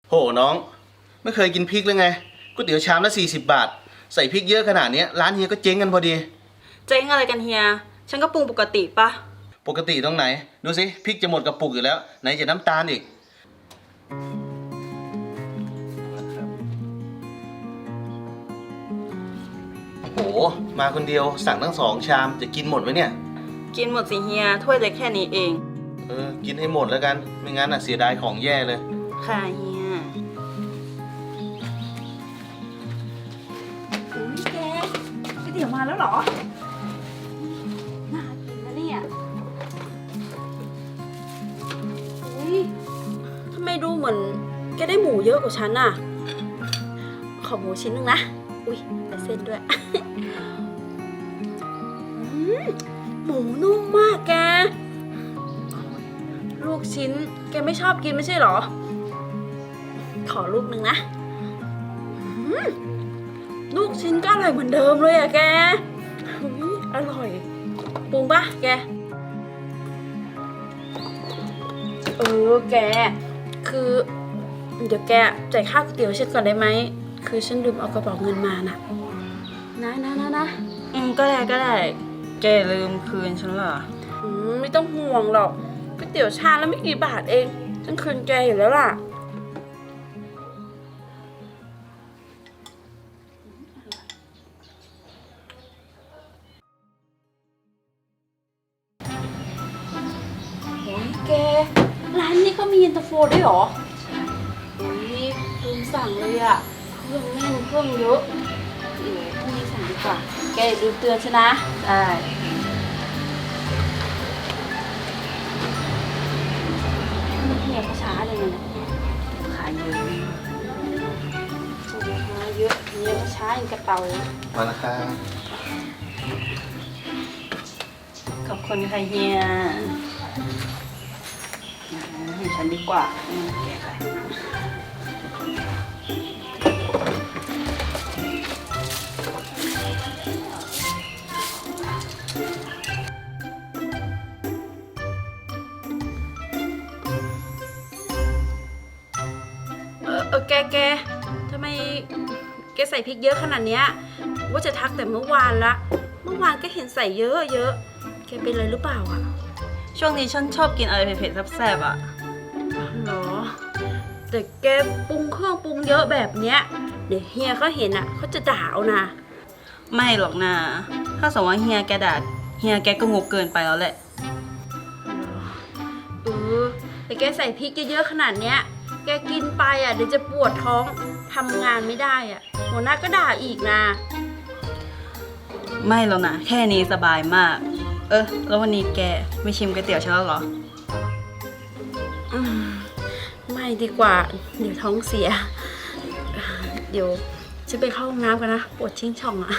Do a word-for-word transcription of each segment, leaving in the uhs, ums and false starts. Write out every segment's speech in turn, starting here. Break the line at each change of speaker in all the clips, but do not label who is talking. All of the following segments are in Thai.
โหน้องไม่เคยกินพริกเลยไงก๋วยเตี๋ยวชามละสี่สิบบาทใส่พริกเยอะขนาดนี้ร้านเฮียก็เจ๊งกันพอดี
เจ๊งอะไรกันเฮียฉันก็ปรุงปกติปะ
ปกติตรงไหนดูสิพริกจะหมดกระปุกอยู่แล้วไหนจะน้ำตาลอีกโอ้โหมาคนเดียวสั่งทั้งสองชามจะกินหมดไหมเนี่ย
กินหมดสิเฮียถ้วยเล็กแค่นี้เอง
เออกินให้หมดแล้วกันไม่งั้นอ่ะเสียดายของแย่เลย
ค่ะเฮีย
อุ้ยแกก๋วยเตี๋ยวมาแล้วเหรอน่ากินนะเนี่ยอุ้ยทำไมดูเหมือนแกได้หมูเยอะกว่าฉันน่ะขอหมูชิ้นหนึ่งนะอุ้ยแต่เส้นด้วย หมูนุ่มมากแกลูกชิ้นแกไม่ชอบกินไม่ใช่เหรอขอลูกหนึ่งนะลูกชิ้นก็อร่อยเหมือนเดิมเลยอะแกอร่อยปรุงปะแกเออแกคือเดี๋ยวแกจ่ายค่าก๋วยเตี๋ยวฉันก่อนได้ไหมคือฉันลืมเอากระเป๋าเงินมาน่ะนะนะนะนะ
อืมก็ได้ก็ได้แกลืมคืนฉันเหรอ
อืมไม่ต้องห่วงหรอกก๋วยเตี๋ยวชามแล้วไม่กี่บาทเองฉันคืนแกอยู่แล้วล่ะโอ้ยแกร้านนี้ก็มีเย็นตาโฟด้วยเหรอโอ้ยลืมสั่งเลยอะเครื่องแน่นเครื่องเยอะเดี๋ยวพรุ่งนี้สั่งดีกว่าแกอย่าลืมเตือนฉันนะ
ได้
เฮียเขาช้าเลยนะ
ขายเยอะ
มาเยอะเฮียเขาช้าอย่างกระเตา
มาแล้วครับ
ขอบคุณค่ะเฮียให้ฉันดีกว่าแกค่ะ
เออแกแกทำไมแกใส่พริกเยอะขนาดเนี้ยว่าจะทักแต่เมื่อวานละเมื่อวานก็เห็นใส่เยอะเยอะแกเป็นอะไรหรือเปล่าอ่ะ
ช่วงนี้ฉันชอบกินอะไรเผ็ดๆแซ่บๆอ่ะ
หรอแต่แกปรุงเครื่องปรุงเยอะแบบเนี้ยเดี๋ยวเฮียเขาเห็นอ่ะเขาจะด่าเอานะ
ไม่หรอกนะถ้าสมมติว่าเฮียแกด่าเฮียแกก็งกเกินไปแล้วแหละ
เออแต่แกใส่พริกเยอะๆขนาดเนี้ยแกกินไปอ่ะเดี๋ยวจะปวดท้องทำงานไม่ได้อ่ะหัวหน้าก็ด่าอีกนะ
ไม่แล้วนะแค่นี้สบายมากเออแล้ววันนี้แกไม่ชิมก๋วยเตี๋ยวฉันแล้วเหรอ
อืมไม่ดีกว่าเดี๋ยวท้องเสียเดี๋ยวฉันไปเข้าห้องน้ำกันนะปวดชิงช่องอ่ะ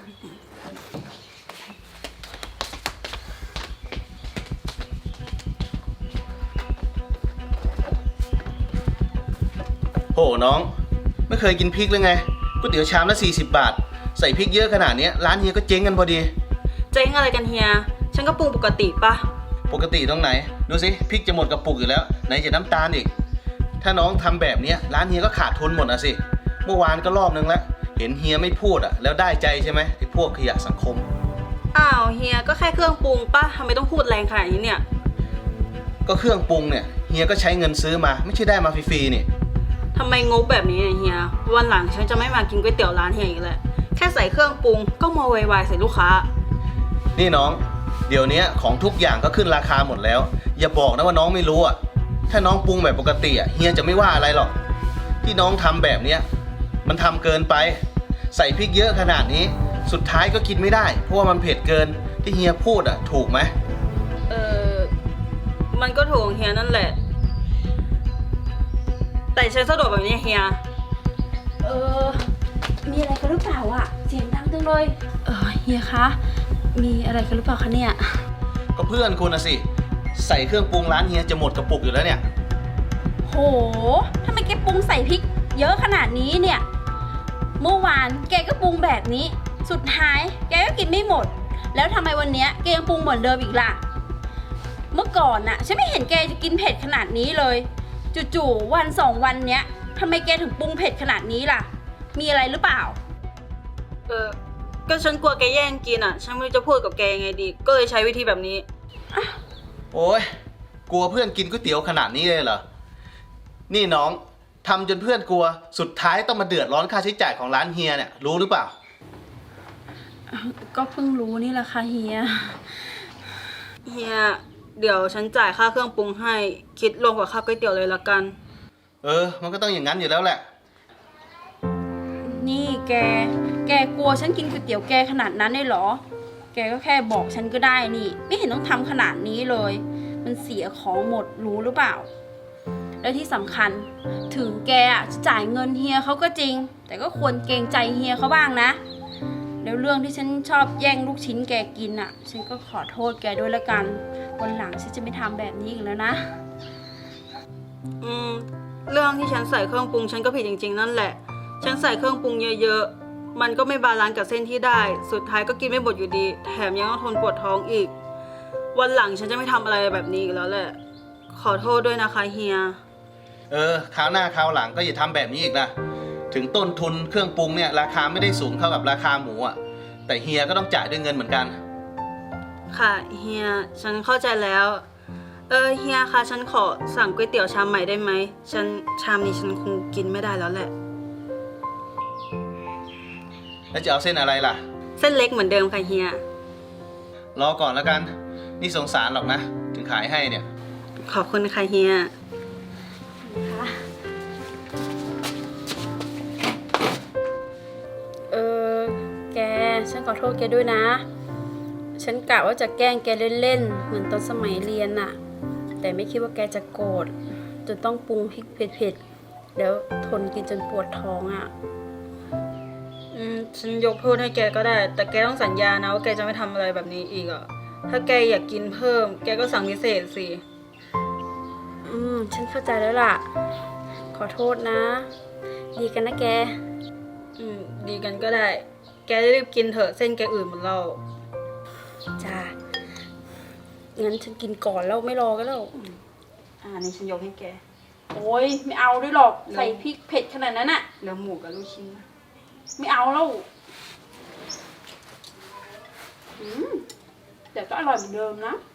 โหน้องไม่เคยกินพริกเลยไงก๋วยเตี๋ยวชามละสี่สิบบาทใส่พริกเยอะขนาดนี้ร้านเฮียก็เจ๊งกันพอดี
เจ๊งอะไรกันเฮียฉันก็ปรุงปกติปะ
ปกติตรงไหนดูสิพริกจะหมดกระปุกอยู่แล้วไหนจะน้ำตาลอีกถ้าน้องทำแบบนี้ร้านเฮียก็ขาดทุนหมดอ่ะสิเมื่อวานก็รอบนึงแล้วเห็นเฮียไม่พูดอ่ะแล้วได้ใจใช่ไหมไอ้พวกขยะสังคม
อ้าวเฮียก็แค่เครื่องปรุงปะทำไมต้องพูดแรงขนาดนี้เนี่ย
ก็เครื่องปรุงเนี่ยเฮียก็ใช้เงินซื้อมาไม่ใช่ได้มาฟรีๆนี่
ทำไมงกแบบนี้เนี่ยเฮียวันหลังฉันจะไม่มากินก๋วยเตี๋ยวร้านเฮียอีกแล้วแค่ใส่เครื่องปรุงก็มาไวๆใส่ลูกค้า
นี่น้องเดี๋ยวนี้ของทุกอย่างก็ขึ้นราคาหมดแล้วอย่าบอกนะว่าน้องไม่รู้อ่ะถ้าน้องปรุงแบบปกติอ่ะเฮียจะไม่ว่าอะไรหรอกที่น้องทำแบบเนี้ยมันทำเกินไปใส่พริกเยอะขนาดนี้สุดท้ายก็กินไม่ได้เพราะว่ามันเผ็ดเกินที่เฮียพูดอ่ะถูกไหม
เออมันก็ถูกเฮียนั่นแหละแต่ฉันสะดวกแบบนี้เฮีย
เออมีอะไรกันหรือเปล่าอ่ะเสียงดังจังเลยเออเฮียคะมีอะไรกันหรือเปล่าคะเนี่ย
ก็เพื่อนคุณนะสิใส่เครื่องปรุงร้านเฮียจะหมดกระปุกอยู่แล้วเนี่ย
โหทำไมแกปรุงใส่พริกเยอะขนาดนี้เนี่ยเมื่อวานแกก็ปรุงแบบนี้สุดท้ายแกก็กินไม่หมดแล้วทำไมวันนี้แกยังปรุงเหมือนเดิมอีกล่ะเมื่อก่อนน่ะฉันไม่เห็นแกจะกินเผ็ดขนาดนี้เลยจู่ๆวันสองวันเนี้ยทำไมแกถึงปรุงเผ็ดขนาดนี้ล่ะ มีอะไรหรือเปล่า
เออ ก็ฉันกลัวแกแย่งกินอ่ะ ฉันไม่รู้จะพูดกับแกยังไงดี ก็เลยใช้วิธีแบบนี้
โอ้ยกลัวเพื่อนกินก๋วยเตี๋ยวขนาดนี้เลยเหรอ นี่น้องทำจนเพื่อนกลัว สุดท้ายต้องมาเดือดร้อนค่าใช้จ่ายของร้านเฮียเนี่ยรู้หรือเปล่า
ก็เพิ่งรู้นี่แหละค่ะเฮีย
เฮีย เดี๋ยวฉันจ่ายค่าเครื่องปรุงให้ คิดรวมกับค่าก๋วยเตี๋ยวเลยละกัน
เออ มันก็ต้องอย่างนั้นอยู่แล้วแหละ
นี่แก แกกลัวฉันกินก๋วยเตี๋ยวแกขนาดนั้นเลยเหรอ แกก็แค่บอกฉันก็ได้นี่ ไม่เห็นต้องทำขนาดนี้เลย มันเสียของหมดรู้หรือเปล่า และที่สำคัญถึงแกอะจะจ่ายเงินเฮียเขาก็จริง แต่ก็ควรเกรงใจเฮียเขาบ้างนะ แล้วเรื่องที่ฉันชอบแย่งลูกชิ้นแกกินอ่ะ ฉันก็ขอโทษแกด้วยละกัน วันหลังฉันจะไม่ทำแบบนี้อีกแล้วนะ
อืม เรื่องที่ฉันใส่เครื่องปรุงฉันก็ผิดจริงๆนั่นแหละ ฉันใส่เครื่องปรุงเยอะๆ มันก็ไม่บาลานซ์กับเส้นที่ได้ สุดท้ายก็กินไม่หมดอยู่ดี แถมยังต้องทนปวดท้องอีก วันหลังฉันจะไม่ทำอะไรแบบนี้อีกแล้วแหละ ขอโทษด้วยนะคะเฮีย
เออคราวหน้าคราวหลังก็อย่าทำแบบนี้อีกนะ ถึงต้นทุนเครื่องปรุงเนี่ยราคาไม่ได้สูงเท่ากับราคาหมูอ่ะ แต่เฮียก็ต้องจ่ายด้วยเงินเหมือนกัน
ค่ะเฮีย ฉันเข้าใจแล้ว เออเฮียคะฉันขอสั่งก๋วยเตี๋ยวชามใหม่ได้ไหม ฉันชามนี้ฉันคงกินไม่ได้แล้วแหละ
แล้วจะเอาเส้นอะไรล่ะ
เส้นเล็กเหมือนเดิมค่ะเฮีย
รอก่อนแล้วกัน นี่สงสารหรอกนะ ถึงขายให้เนี่ย
ขอบคุณค่ะเฮีย
เออ แก ฉันขอโทษแกด้วยนะ ฉันกะว่าจะแกล้งแกเล่นๆ เหมือนตอนสมัยเรียนน่ะ แต่ไม่คิดว่าแกจะโกรธจนต้องปรุงพริกเผ็ดๆ แล้วทนกินจนปวดท้องอ่ะ
อืม ฉันยกโทษให้แกก็ได้ แต่แกต้องสัญญานะว่าแกจะไม่ทำอะไรแบบนี้อีกอ่ะ ถ้าแกอยากกินเพิ่ม แกก็สั่งพิเศษสิ
อืม ฉันเข้าใจแล้วล่ะ ขอโทษนะ ดีกันนะแก
อืม ดีกันก็ได้ แกรีบกินเถอะเส้นแกอื่นหมดแล้ว
จ้า งั้นฉันกินก่อนแล้วไม่รอก็แล้ว
อ่านี่ฉันยกให้แก
โอ้ยไม่เอาด้วยหรอก ใส่พริกเผ็ดขนาดนั้นอะ
แล้วหมูกับลูกชิ้น
ไม่เอาแล้ว อืม แต่ก็อร่อยเหมือนเดิมนะ